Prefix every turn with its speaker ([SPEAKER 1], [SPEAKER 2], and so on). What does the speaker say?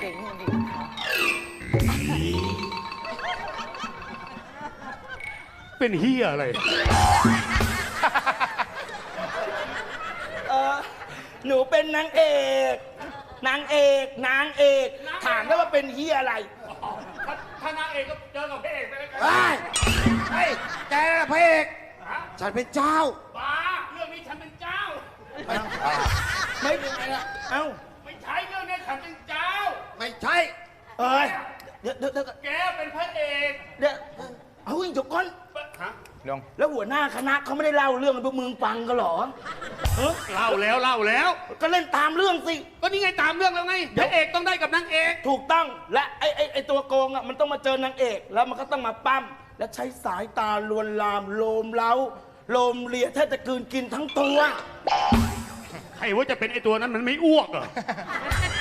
[SPEAKER 1] จ๋งจริง
[SPEAKER 2] เป็นเฮียอะไร
[SPEAKER 1] หนูเป็นนางเอก นางเอก นางเอก ถามได้ว่าเป็นเฮียอะไร
[SPEAKER 2] ถ้านางเอกก็เจอกับพระเอกไปแล้วกัน
[SPEAKER 3] เฮ้ยแกน่ะพระเอกฉันเป็นเจ้า
[SPEAKER 2] บ้าเรื่องนี้ฉันเป็นเจ้า
[SPEAKER 1] ไม่เป็นไรละเอ้า
[SPEAKER 2] ไม่ใช่เรื่องนี้ฉันเป็นเจ้า
[SPEAKER 3] ไม่ใช่
[SPEAKER 1] เอ้ย เดี๋ยว
[SPEAKER 2] แกเป็นพระเอก
[SPEAKER 1] เดี๋ยวเอาอีกจบก่อน
[SPEAKER 2] ฮะ
[SPEAKER 1] แล้วหัวหน้าคณะเขาไม่ได้เล่าเรื่องให้พวกมึงฟังกันเหรอเออ
[SPEAKER 2] เล่าแล้ว
[SPEAKER 1] ก็เล่นตามเรื่องสิ
[SPEAKER 2] ก็นี่ไงตามเรื่องแล้วไงพระเอกต้องได้กับนางเอก
[SPEAKER 1] ถูกต้อง และไอ้ตัวโกงอ่ะมันต้องมาเจอนางเอก แล้วมันก็ต้องมาปั้ม และใช้สายตาลวนลาม โลมเล้า โลมเลียแทบจะกลืนกินทั้งตัว
[SPEAKER 2] ใครว่าจะเป็นไอตัวนั้นมันไม่อ้วกเหรอ